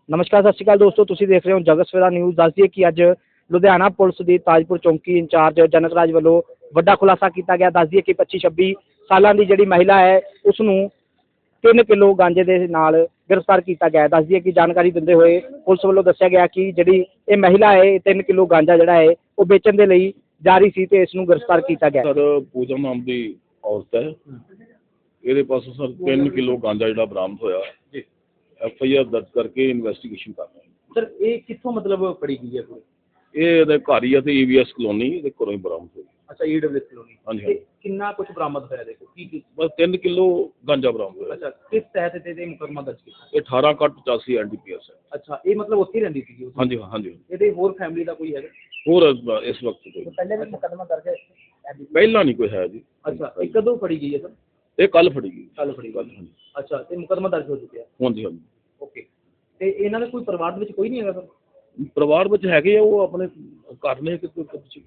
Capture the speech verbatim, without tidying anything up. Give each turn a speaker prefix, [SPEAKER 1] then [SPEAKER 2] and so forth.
[SPEAKER 1] ਨਮਸਕਾਰ, ਸਤਿ ਸ਼੍ਰੀ ਅਕਾਲ ਦੋਸਤੋ, ਤੁਸੀਂ ਦੇਖ ਰਹੇ ਹੋ ਜਗਤ ਸਵੇਰਾ ਨਿਊਜ਼। ਦੱਸ ਦਈਏ ਕਿ ਅੱਜ ਲੁਧਿਆਣਾ ਪੁਲਿਸ ਦੀ ਤਾਜਪੁਰ ਚੌਂਕੀ ਇੰਚਾਰਜ ਜਨਕ ਰਾਜ ਵੱਲੋਂ ਵੱਡਾ ਖੁਲਾਸਾ ਕੀਤਾ ਗਿਆ। ਦੱਸ ਦਈਏ ਕਿ ਪੱਚੀ ਛੱਬੀ ਸਾਲਾਂ ਦੀ ਜਿਹੜੀ ਮਹਿਲਾ ਹੈ ਉਸ ਨੂੰ ਤਿੰਨ ਕਿਲੋ ਗਾਂਜੇ ਦੇ ਨਾਲ ਗ੍ਰਿਫਤਾਰ ਕੀਤਾ ਗਿਆ। ਦੱਸ ਦਈਏ ਕਿ ਜਾਣਕਾਰੀ ਦਿੰਦੇ ਹੋਏ ਪੁਲਿਸ ਵੱਲੋਂ ਦੱਸਿਆ ਗਿਆ ਕਿ ਜਿਹੜੀ ਇਹ ਮਹਿਲਾ ਹੈ ਤਿੰਨ ਕਿਲੋ ਗਾਂਜਾ ਜਿਹੜਾ ਹੈ ਉਹ ਵੇਚਣ ਦੇ ਲਈ ਜਾ ਰਹੀ ਸੀ ਤੇ ਇਸ ਨੂੰ ਗ੍ਰਿਫਤਾਰ ਕੀਤਾ ਗਿਆ।
[SPEAKER 2] ਸਰ ਪੂਜਾ ਨਾਮ ਦੀ ਔਰਤ ਹੈ, ਇਹਦੇ ਪਾਸੋਂ ਸਰ ਤਿੰਨ ਕਿਲੋ ਗਾਂਜਾ ਜਿਹੜਾ ਬਰਾਮਦ ਹੋਇਆ ਜੀ, ਐਫ ਆਈ ਆਰ ਦਰਜ ਕਰਕੇ ਇਨਵੈਸਟੀਗੇਸ਼ਨ ਕਰ ਰਹੇ ਹਾਂ।
[SPEAKER 1] ਸਰ ਇਹ ਕਿੱਥੋਂ ਮਤਲਬ ਫੜੀ ਗਈ ਹੈ ਪੂਰੀ?
[SPEAKER 2] ਇਹ ਇਹਦੇ ਘਰ ਹੀ ਹੈ ਤੇ ਈ ਵੀ ਐਸ ਕਲੋਨੀ ਇਹਦੇ ਘਰੋਂ ਹੀ ਬਰਾਮਦ ਹੋਈ।
[SPEAKER 1] ਅੱਛਾ, ਈ ਡਬਲਯੂ ਐਸ ਕਲੋਨੀ।
[SPEAKER 2] ਹਾਂਜੀ ਹਾਂਜੀ,
[SPEAKER 1] ਕਿੰਨਾ ਕੁਝ ਬਰਾਮਦ ਹੋਇਆ? ਦੇਖੋ ਕੀ ਕੀ
[SPEAKER 2] ਬਸ ਤਿੰਨ ਕਿਲੋ ਗਾਂਜਾ ਬਰਾਮਦ ਹੋਇਆ।
[SPEAKER 1] ਅੱਛਾ, ਕਿਸ ਤਹਿਤ ਤੇ ਤੇ ਮੁਕੱਦਮਾ ਦਰਜ ਕੀਤਾ?
[SPEAKER 2] ਇਹ ਅਠਾਰਾਂ ਕੱਟ ਪਚਾਸੀ ਐਨ ਡੀ ਪੀ ਐਸ ਹੈ।
[SPEAKER 1] ਅੱਛਾ, ਇਹ ਮਤਲਬ ਉੱਥੇ ਹੀ ਰਹਿੰਦੀ ਸੀ?
[SPEAKER 2] ਹਾਂਜੀ ਹਾਂਜੀ,
[SPEAKER 1] ਇਹਦੇ ਹੋਰ ਫੈਮਿਲੀ ਦਾ ਕੋਈ ਹੈਗਾ?
[SPEAKER 2] ਹੋਰ ਇਸ- ਇਸ ਵਕਤ ਕੋਈ
[SPEAKER 1] ਪਹਿਲੇ ਵੀ ਮੁਕੱਦਮਾ ਦਰਜ ਹੈ?
[SPEAKER 2] ਪਹਿਲਾਂ ਨਹੀਂ ਕੋਈ ਹੈ ਜੀ।
[SPEAKER 1] ਅੱਛਾ, ਇਹ ਕਦੋਂ ਫੜੀ ਗਈ ਹੈ ਸਰ?
[SPEAKER 2] ਇਹ ਕੱਲ ਫੜੀ ਗਈ।
[SPEAKER 1] ਕੱਲ ਫੜੀ
[SPEAKER 2] ਕੱਲ
[SPEAKER 1] ਗਈ।
[SPEAKER 2] ਹਾਂਜੀ
[SPEAKER 1] ਅੱਛਾ, ਤੇ ਮੁਕੱਦਮਾ ਦਰਜ ਹੋ ਚੁੱਕਿਆ?
[SPEAKER 2] ਹਾਂਜੀ ਹਾਂਜੀ।
[SPEAKER 1] ਓਕੇ, ਤੇ ਇਹਨਾਂ ਦੇ ਕੋਈ ਪਰਿਵਾਰ ਦੇ ਵਿੱਚ ਕੋਈ ਨਹੀਂ ਹੈਗਾ ਸਰ?
[SPEAKER 2] ਪਰਿਵਾਰ ਵਿੱਚ ਹੈਗੇ ਆ, ਉਹ ਆਪਣੇ ਘਰ ਨੇ ਕਿ